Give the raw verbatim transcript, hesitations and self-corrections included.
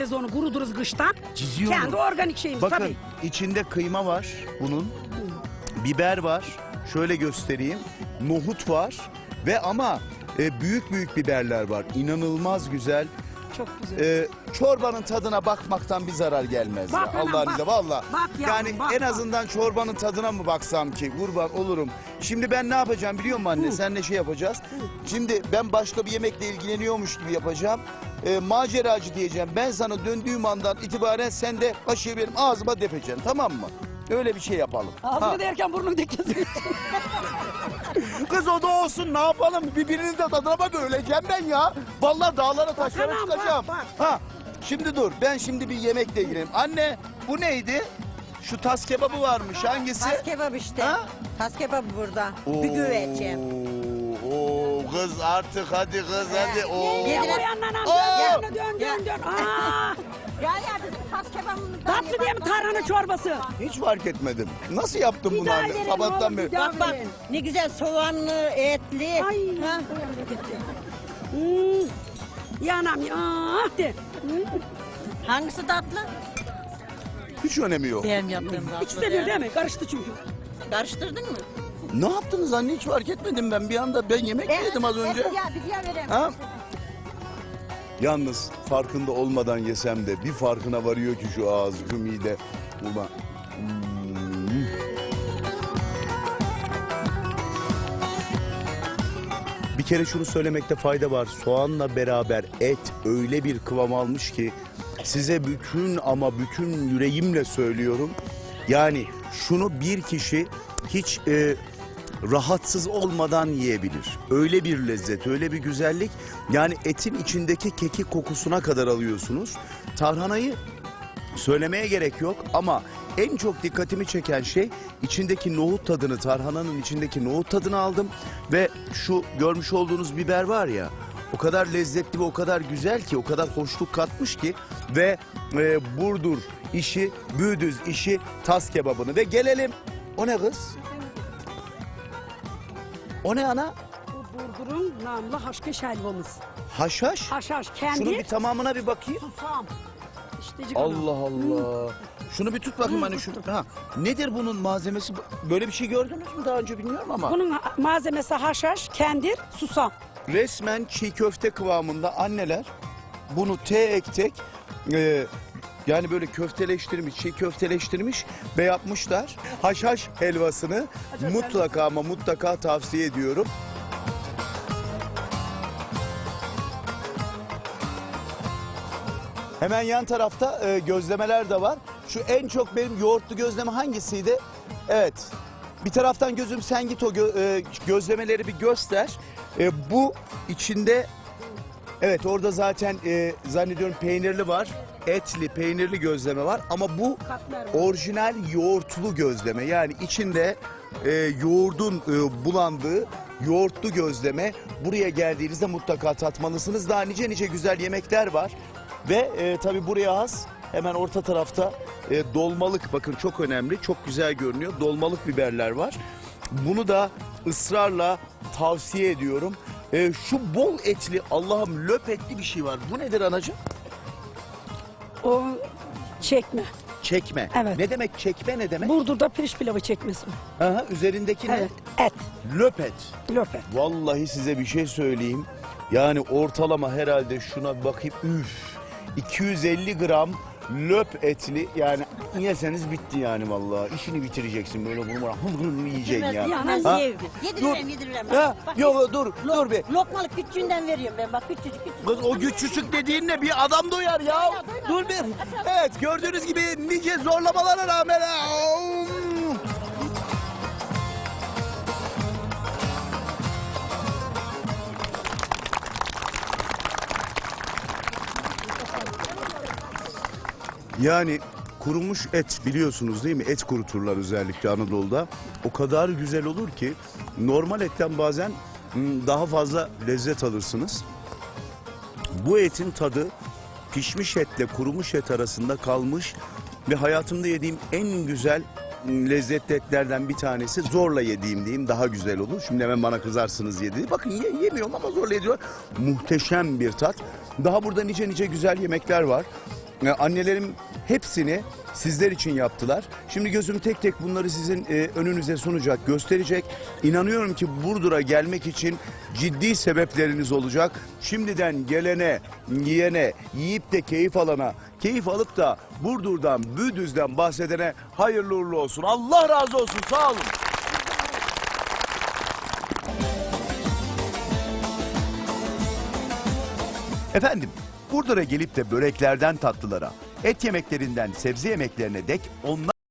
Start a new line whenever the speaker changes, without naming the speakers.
çizeriz onu, kuruduruz kıştan.
Çiziyorum.
Kendi organik şeyimiz
Bakın,
tabii.
içinde kıyma var bunun. Biber var. Şöyle göstereyim. Nohut var. Ve ama e, büyük büyük biberler var. İnanılmaz güzel.
Çok güzel.
E, çorbanın tadına bakmaktan bir zarar gelmez.
Bak
ya.
anam,
Allah'ın
bak.
izniyle valla.
Bak yavrum,
Yani
bak,
en
bak.
azından çorbanın tadına mı baksam ki kurban olurum. Şimdi ben ne yapacağım biliyor musun anne?
Hı.
Seninle şey yapacağız. Şimdi ben başka bir yemekle ilgileniyormuş gibi yapacağım. E, maceracı diyeceğim. Ben sana döndüğüm andan itibaren sen de kaşığı benim ağzıma depeceksin, tamam mı? Öyle bir şey yapalım.
Ağzını
Ha.
derken burnunu dikkesin.
Kız o da olsun, ne yapalım? Birbirinin de tadına bak, öleceğim ben ya. Vallahi dağlara taşlara
Bakalım,
çıkacağım.
bak,
Ha. Şimdi dur, ben şimdi bir yemekle ilgileneyim. Anne, bu neydi? Şu tas kebabı varmış, hangisi?
Tas kebap işte.
Ha?
Tas kebabı burada. Bir güvecim.
Oo, kız artık hadi kız hadi. Oo.
Yedirin. O yandan
Oo.
al, dön dön dön dön. Aa,
Ya ya bizim tas kebabımızdan.
tatlı diye mi tarhana çorbası?
Hiç fark etmedim. Nasıl yaptın
Bir
bunu
daha
anne?
verin
Sabahtan
oğlum,
beri.
bir daha.
Bak bak ne güzel soğanlı, etli.
Ay.
Ha?
Hmm. Yanam ya. Ah de. Hmm.
Hangisi tatlı?
Hiç önemi yok.
Benim yaptığım tatlı.
İkisi de bir değil mi? Karıştı çünkü.
Karıştırdın mı?
Ne yaptınız anne, hiç fark etmedim ben. Bir anda ben yemek yedim az önce.
Ya bir diğer vereyim.
Ha? Yalnız farkında olmadan yesem de bir farkına varıyor ki şu ağız, şu mide. Ulan. Hmm. Bir kere şunu söylemekte fayda var. Soğanla beraber et öyle bir kıvam almış ki size bütün ama bütün yüreğimle söylüyorum. Yani şunu bir kişi hiç e, rahatsız olmadan yiyebilir. Öyle bir lezzet, öyle bir güzellik. Yani etin içindeki kekik kokusuna kadar alıyorsunuz. Tarhanayı söylemeye gerek yok ama en çok dikkatimi çeken şey içindeki nohut tadını, tarhananın içindeki nohut tadını aldım. Ve şu görmüş olduğunuz biber var ya, o kadar lezzetli ve o kadar güzel ki, o kadar hoşluk katmış ki. Ve e, Burdur işi, Büdüz işi tas kebabını. Ve gelelim, o ne kız? O ne ana?
Bu Burdur'un namlı haşkeş helvamız.
Haşhaş.
Haşhaş kendi.
Şunu bir tamamına bir bakayım.
Susam. İştecik
Allah
ana.
Allah. Şunu bir tut bakayım hani şunu. Ha. Nedir bunun malzemesi? Böyle bir şey gördünüz mü daha önce bilmiyorum ama.
Bunun ha- malzemesi haşhaş, kendir, susam.
Resmen çiğ köfte kıvamında anneler bunu tek tek e, yani böyle köfteleştirmiş, çiğ köfteleştirmiş ve yapmışlar. Haşhaş helvasını mutlaka ama mutlaka tavsiye ediyorum. Hemen yan tarafta e, gözlemeler de var. Şu en çok benim yoğurtlu gözleme hangisiydi? Evet. Bir taraftan gözüm sen git o gö e, gözlemeleri bir göster. E, bu içinde evet orada zaten e, zannediyorum peynirli var. Etli, peynirli gözleme var ama bu
Katmer var.
orijinal yoğurtlu gözleme. Yani içinde e, yoğurdun e, bulandığı yoğurtlu gözleme. Buraya geldiğinizde mutlaka tatmalısınız. Daha nice nice güzel yemekler var. Ve e, tabii buraya has hemen orta tarafta e, dolmalık, bakın çok önemli, çok güzel görünüyor. Dolmalık biberler var. Bunu da ısrarla tavsiye ediyorum. E, şu bol etli, Allah'ım löp etli bir şey var. Bu nedir anacığım?
O çekme.
Çekme.
Evet.
Ne demek çekme, ne demek?
Burdur'da pirinç pilavı çekmesi var.
Aha, üzerindeki ne?
Evet, et,
Löp et.
löp et.
Vallahi size bir şey söyleyeyim. Yani ortalama herhalde şuna bir bakayım. Üf. iki yüz elli gram löp etli, yani yeseniz bitti yani vallahi. İşini bitireceksin böyle bunu bana hır hır yiyeceksin ya.
Ya,
Ben
Ha?
yiyebilirim. Yediririm yediririm.
Ha?
Bak,
Yok dur dur bir.
lokmalık küçüğünden veriyorum ben bak küçücük küçücük.
Kız o küçücük dediğin ne? Bir adam doyar ya. Dur bir. Evet gördüğünüz gibi nice zorlamalara rağmen. Yani kurumuş et biliyorsunuz değil mi? Et kuruturlar özellikle Anadolu'da. O kadar güzel olur ki normal etten bazen hmm, daha fazla lezzet alırsınız. Bu etin tadı pişmiş etle kurumuş et arasında kalmış ve hayatımda yediğim en güzel hmm, lezzetli etlerden bir tanesi. Zorla yediğim diyeyim, daha güzel olur. Şimdi hemen bana kızarsınız yedi. Bakın ye, yemiyorum ama zorla yediyor. Muhteşem bir tat. Daha burada nice nice güzel yemekler var. E, annelerim hepsini sizler için yaptılar. Şimdi gözüm tek tek bunları sizin e, önünüze sunacak, gösterecek. İnanıyorum ki Burdur'a gelmek için ciddi sebepleriniz olacak. Şimdiden gelene, yiyene, yiyip de keyif alana, keyif alıp da Burdur'dan, Büdüz'den bahsedene hayırlı uğurlu olsun. Allah razı olsun, sağ olun. Efendim, Burdur'a gelip de böreklerden tatlılara, et yemeklerinden sebze yemeklerine dek onlar